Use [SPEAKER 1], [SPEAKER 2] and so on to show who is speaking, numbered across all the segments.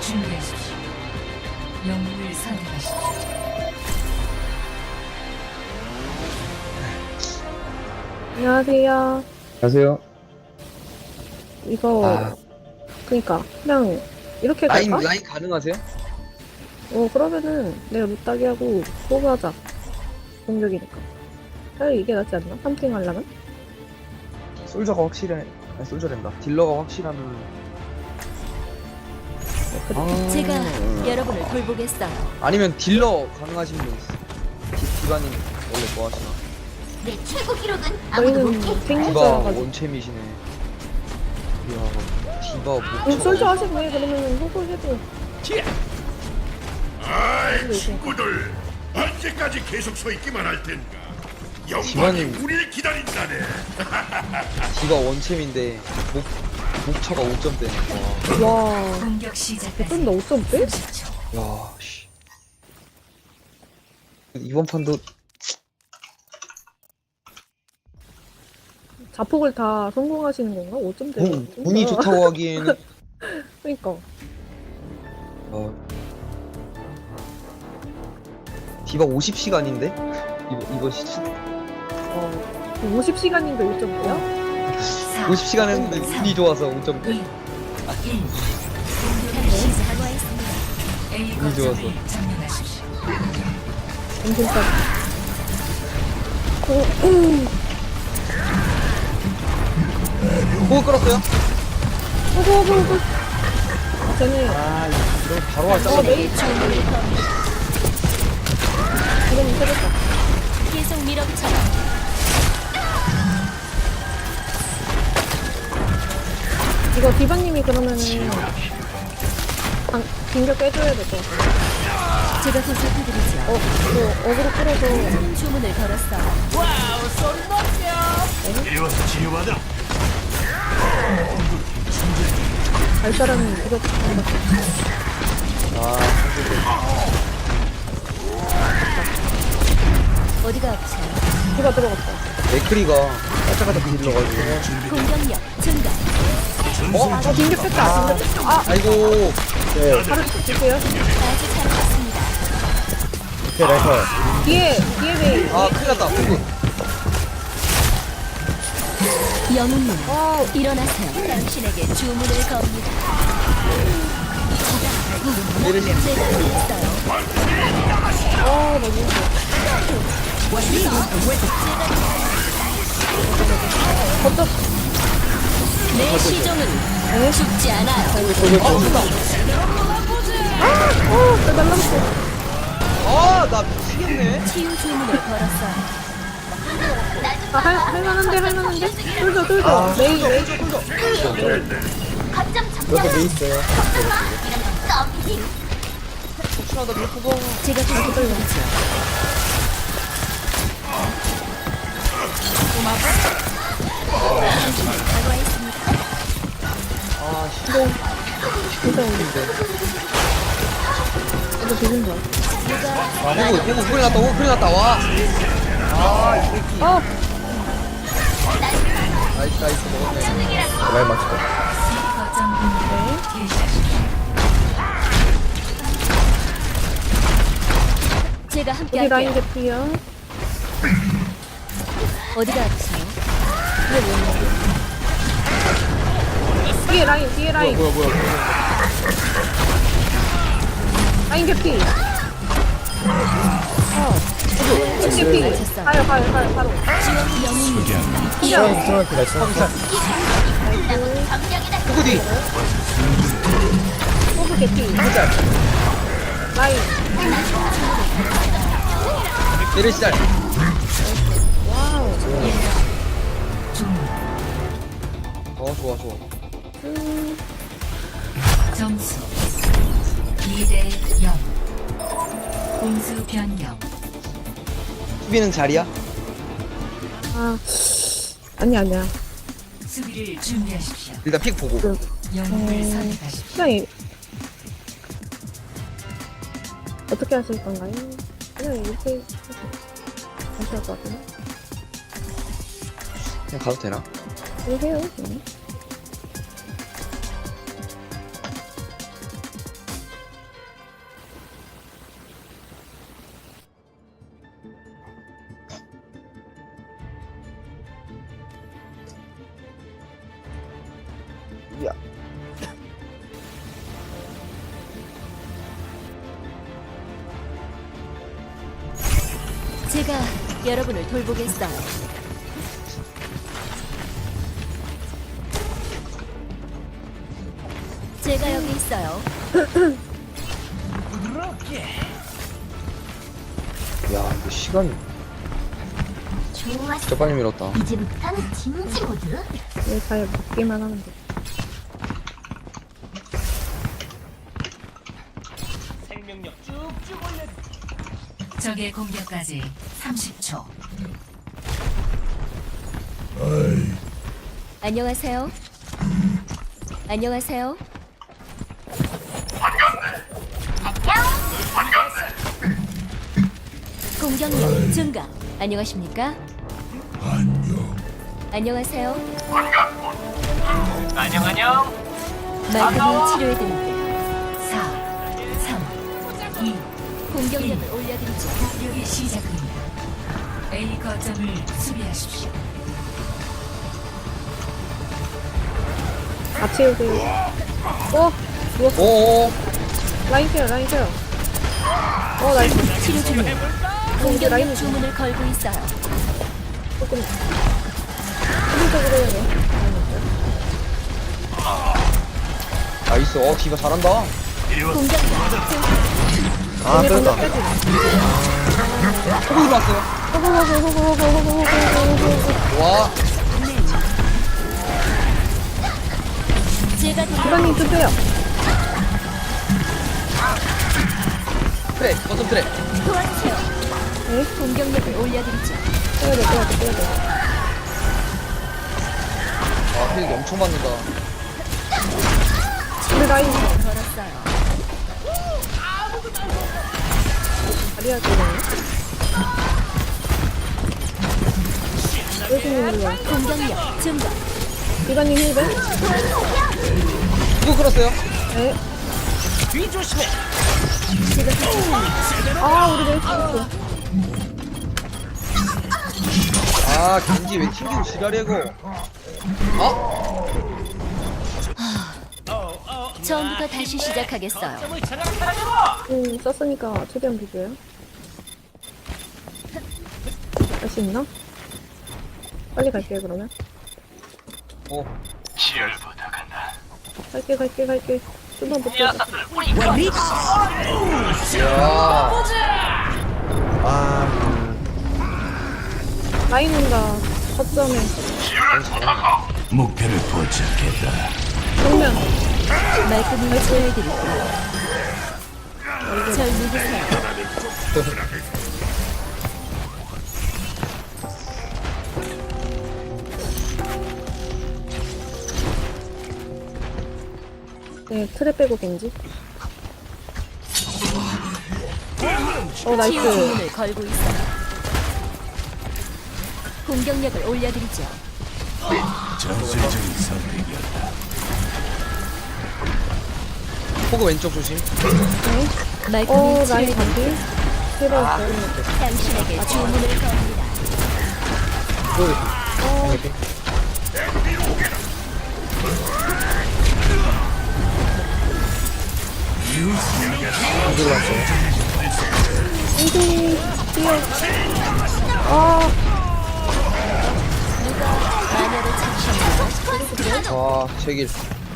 [SPEAKER 1] 준비하십시오. 영웅을 선택하십시오.
[SPEAKER 2] 안녕하세요.
[SPEAKER 3] 안녕하세요.
[SPEAKER 2] 이거 그니까 그냥 이렇게
[SPEAKER 4] 라인
[SPEAKER 2] 갈까?
[SPEAKER 4] 라인 가능하세요?
[SPEAKER 2] 그러면은 내가 루따기 하고 포그하자. 공격이니까. 차라리 이게 낫지 않나? 3팅 하려면?
[SPEAKER 4] 솔저가 확실해. 아니 솔저랜다. 딜러가 확실하면.
[SPEAKER 5] 제가 여러분을 돌보겠어요.
[SPEAKER 4] 아니면 딜러 가능하신 분 있어. 디바님 원래 뭐 하시나?
[SPEAKER 5] 내 최고 기록은 아무도
[SPEAKER 2] 저희는
[SPEAKER 5] 못해.
[SPEAKER 4] 디바
[SPEAKER 2] 생리자라가지고.
[SPEAKER 4] 원챔이시네. 이야, 디바 못
[SPEAKER 2] 솔저 하시네. 그러면은 호구 해도.
[SPEAKER 6] 아이 친구들 언제까지 계속 서 있기만 할 텐가. 영광이
[SPEAKER 4] 지원님.
[SPEAKER 6] 우리를 기다린다네.
[SPEAKER 4] 디바 원챔인데 목차가 5점대네.
[SPEAKER 2] 와.
[SPEAKER 1] 공격 시작까지
[SPEAKER 2] 좀더 5점 빼?
[SPEAKER 1] 30초.
[SPEAKER 4] 야, 씨. 이번 판도
[SPEAKER 2] 자폭을 다 성공하시는 건가? 5점 대.
[SPEAKER 4] 운이 좋다고 하기에는
[SPEAKER 2] 그니까.
[SPEAKER 4] 디바 50시간인데? 이거
[SPEAKER 2] 50시간인데 5점 대야?
[SPEAKER 4] 50시간 했는데 운이 좋아서 5점
[SPEAKER 1] 2, 1. 공격을 시작하겠습니다. A
[SPEAKER 4] 운이 좋아서.
[SPEAKER 1] 거점을 점령하십시오.
[SPEAKER 2] 엄청까지.
[SPEAKER 4] 호흡 끌었어요?
[SPEAKER 2] 호구. 쟤네.
[SPEAKER 4] 이러면 바로 하자.
[SPEAKER 2] 메이 지금 세졌다.
[SPEAKER 5] 계속 밀어붙여요.
[SPEAKER 2] 이거 디바님이 그러면은 공격 빼줘야 될 것 같아.
[SPEAKER 5] 제가 도착해드리죠.
[SPEAKER 2] 이거 어그로 끌어서
[SPEAKER 5] 큰 주문을 걸었어요.
[SPEAKER 6] 이리 와서 치료받아.
[SPEAKER 2] 발사라는 무력
[SPEAKER 5] 어디가 아프세요?
[SPEAKER 2] 디바 들어갔다.
[SPEAKER 4] 맥크리가 깔짝깔짝 딜러가지고.
[SPEAKER 5] 공격력 증가.
[SPEAKER 2] 공격 뺐다.
[SPEAKER 4] 아이고.
[SPEAKER 2] 바로 줄게요.
[SPEAKER 5] 아주 잘하셨습니다.
[SPEAKER 2] 뒤에 메이.
[SPEAKER 4] 큰일 났다. 호흡.
[SPEAKER 5] 영웅님
[SPEAKER 2] 아,
[SPEAKER 5] 일어나세요. 당신에게 주문을 겁니다.
[SPEAKER 4] 내리시.
[SPEAKER 5] 제가 드렸어요.
[SPEAKER 2] 나 무서워. 걷다.
[SPEAKER 5] 내 시종은 죽지 않아요.
[SPEAKER 2] 나 날라갔어.
[SPEAKER 4] 나 미치겠네.
[SPEAKER 5] 치유 주문을 걸었어요.
[SPEAKER 2] 할만한데? 뚫죠. 메이.
[SPEAKER 5] 거점 점령.
[SPEAKER 4] 혹시나다 밀크가.
[SPEAKER 5] 제가 도와드리죠.
[SPEAKER 2] 이거 되는 거야.
[SPEAKER 4] 호흡 소리 났다. 호흡 소리 났다. 와. 나이스 먹었네. 말 맞췄다.
[SPEAKER 1] 거점 공격을 개시하십시오.
[SPEAKER 5] 제가 함께
[SPEAKER 2] 우리 라인
[SPEAKER 5] 할게요.
[SPEAKER 2] 개피야.
[SPEAKER 5] 어디가 아프세요?
[SPEAKER 2] 뒤에 라인.
[SPEAKER 4] 뭐야.
[SPEAKER 2] 라인 개피. 개피. 가요. 바로.
[SPEAKER 5] 지원 영웅님
[SPEAKER 4] 호흡 뒤.
[SPEAKER 2] 호그 개피. 라인.
[SPEAKER 4] 내리시 잘. 좋아.
[SPEAKER 1] 점수 2대 0. 공수 변경.
[SPEAKER 4] 수비는 자리야?
[SPEAKER 2] 아니야.
[SPEAKER 1] 수비를 준비하십시오.
[SPEAKER 4] 일단 픽 보고.
[SPEAKER 1] 영웅을 선택하십시오.
[SPEAKER 2] 그냥 어떻게 하실 건가요? 그냥 이렇게 하실 것 같은데?
[SPEAKER 4] 그냥 가도 되나?
[SPEAKER 2] 이렇게 해요. 그냥.
[SPEAKER 5] 여러분을 돌보겠어요. 제가 여기 있어요.
[SPEAKER 4] 야 이거 시간이 진짜 빨리 밀었다.
[SPEAKER 5] 이제부터는 진지 모드.
[SPEAKER 2] 잘 먹기만 하면 돼.
[SPEAKER 1] 적의 공격까지 30초.
[SPEAKER 5] 안녕하세요. 안녕하세요. 공격력 증가. 안녕하십니까? 안녕하세요.
[SPEAKER 3] 안녕.
[SPEAKER 5] 말끔히 치료해드릴게요.
[SPEAKER 1] 4, 3, 2,
[SPEAKER 5] 공격력을 올려드리죠.
[SPEAKER 1] 공격이 시작됩니다. A 거점을 수비하십시오.
[SPEAKER 2] 같이 오세요. 누웠어.
[SPEAKER 4] 오오.
[SPEAKER 2] 라인 케어, 라인 케어. 나이스.
[SPEAKER 5] 치료 중이에요. 공격력
[SPEAKER 2] 라인이죠.
[SPEAKER 5] 주문을 걸고 있어요.
[SPEAKER 2] 조금 수비적으로 해야 돼.
[SPEAKER 4] 나이스. 디바 잘한다.
[SPEAKER 5] 공격력 증가.
[SPEAKER 4] 아
[SPEAKER 2] 근데
[SPEAKER 4] 뺐다.
[SPEAKER 2] 방금 빼지.
[SPEAKER 4] 호구 일어났어요.
[SPEAKER 2] 호구.
[SPEAKER 4] 와.
[SPEAKER 5] 제가 돌보
[SPEAKER 2] 이번님 주세요.
[SPEAKER 4] 트레. 버튼 트레.
[SPEAKER 5] 도와주세요.
[SPEAKER 2] 네?
[SPEAKER 5] 공격력을 올려드리죠.
[SPEAKER 2] 빼야 돼.
[SPEAKER 4] 아 힐 엄청 맞는다.
[SPEAKER 2] 우리 라인
[SPEAKER 5] 걸었어요.
[SPEAKER 2] 다리야 되네. 예수님이야.
[SPEAKER 5] 공격력 증가.
[SPEAKER 2] 이번님 힐배?
[SPEAKER 4] 누구 끌었어요?
[SPEAKER 2] 네.
[SPEAKER 3] 뒤 조심해.
[SPEAKER 2] 우리 메이스 있어.
[SPEAKER 4] 아 겐지 왜 튕기고 지랄이고.
[SPEAKER 5] 처음부터 다시 시작하겠어요.
[SPEAKER 3] 점을 장악하라고.
[SPEAKER 2] 썼으니까 최대한 비교해요. 할 수 있나? 빨리 갈게요, 그러면.
[SPEAKER 3] 지열보다 간다.
[SPEAKER 2] 갈게. 좀만 볼게.
[SPEAKER 3] 녀석들 우리
[SPEAKER 2] 라인 온다. 거점에.
[SPEAKER 6] 목표를 포착했다.
[SPEAKER 2] 정면.
[SPEAKER 5] 말끔히 치료해드릴게요. 절 믿으세요.
[SPEAKER 2] 네, 틀에 빼고 겐지.
[SPEAKER 5] 치유
[SPEAKER 2] 나이스.
[SPEAKER 5] 주문을 걸고 있어요. 공격력을 올려드리죠.
[SPEAKER 6] 전술적인 선택이었다.
[SPEAKER 4] 호구 왼쪽 조심.
[SPEAKER 5] 말끔히
[SPEAKER 2] 라인
[SPEAKER 5] 치료해드릴게요.
[SPEAKER 2] 반피. 해봤어요.
[SPEAKER 5] 당신에게 주문을 겁니다.
[SPEAKER 2] 인생 뛰어.
[SPEAKER 5] 누가 마녀를 찾으셨나요?
[SPEAKER 4] 와 제길.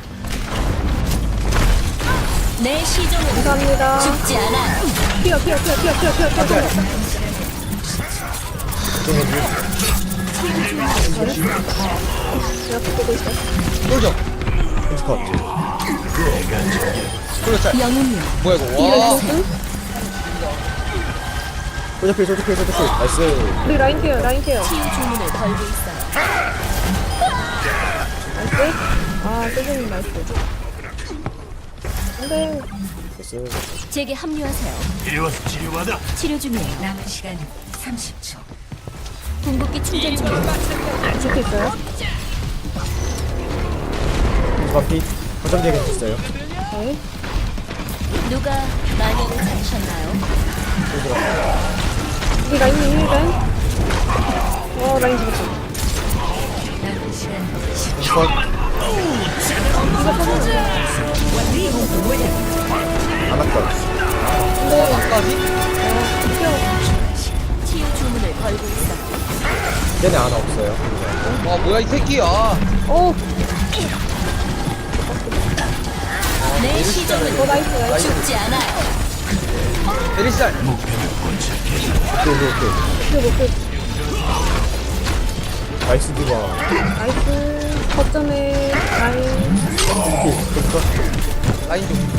[SPEAKER 5] 내 시종은
[SPEAKER 2] 감사합니다.
[SPEAKER 5] 죽지 않아요.
[SPEAKER 2] 뛰어. 내가 붙고 있어.
[SPEAKER 4] 쫄죠. 쫄죠 짤.
[SPEAKER 5] 영웅이요.
[SPEAKER 4] 뭐야 이거. 와.
[SPEAKER 2] 나이스. 우리 라인 케어.
[SPEAKER 5] 치유 주문을 걸고 있어요.
[SPEAKER 2] 나이스. 세준님 나이스. 안돼.
[SPEAKER 5] 제게 합류하세요.
[SPEAKER 6] 이리 와서 치료받아.
[SPEAKER 5] 치료 중이에요.
[SPEAKER 1] 남은 시간 30초.
[SPEAKER 5] 궁극기 충전 중이에요.
[SPEAKER 2] 붙어 있어요? 네.
[SPEAKER 5] 누가 마녀를 찾으셨나요?
[SPEAKER 2] 우리 라인님 힐벤. 라인 잡았어.
[SPEAKER 1] 남은 시간 10초.
[SPEAKER 4] 까지?
[SPEAKER 5] 치유 주문을 목숨을 걸고 있어.
[SPEAKER 7] 얘네 하나 없어요.
[SPEAKER 4] 와 뭐야 이 새끼야.
[SPEAKER 2] 오,
[SPEAKER 5] 내 시종은
[SPEAKER 2] 나이스.
[SPEAKER 5] 죽지 않아요.
[SPEAKER 4] 에리살.
[SPEAKER 7] 오케이.
[SPEAKER 2] 이거 못 그,
[SPEAKER 7] 나이스 디바.
[SPEAKER 2] 나이스. 거점에 라인.
[SPEAKER 4] 라인 좀.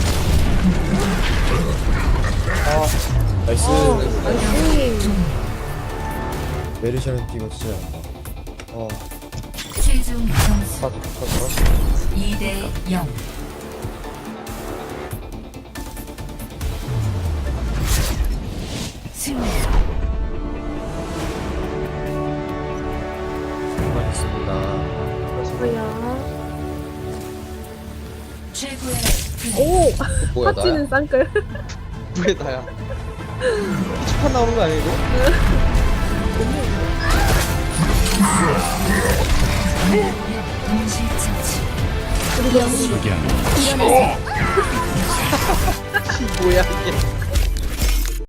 [SPEAKER 7] 나이스.
[SPEAKER 2] 나이스.
[SPEAKER 7] 메르시아는 뛰고 진짜.
[SPEAKER 1] 최종 점수
[SPEAKER 7] 컷.
[SPEAKER 1] 2대 0. 승리.
[SPEAKER 7] 수고하셨습니다.
[SPEAKER 2] 뭐야.
[SPEAKER 1] 최고의 플레이.
[SPEAKER 2] 오,
[SPEAKER 4] 뭐야 나야?
[SPEAKER 2] 파치는 쌍끌.
[SPEAKER 4] 왜 나야? 축판 나오는 거 아니야 이거?
[SPEAKER 1] 동시 처치.
[SPEAKER 5] 일어나세요.
[SPEAKER 4] 뭐야 이게?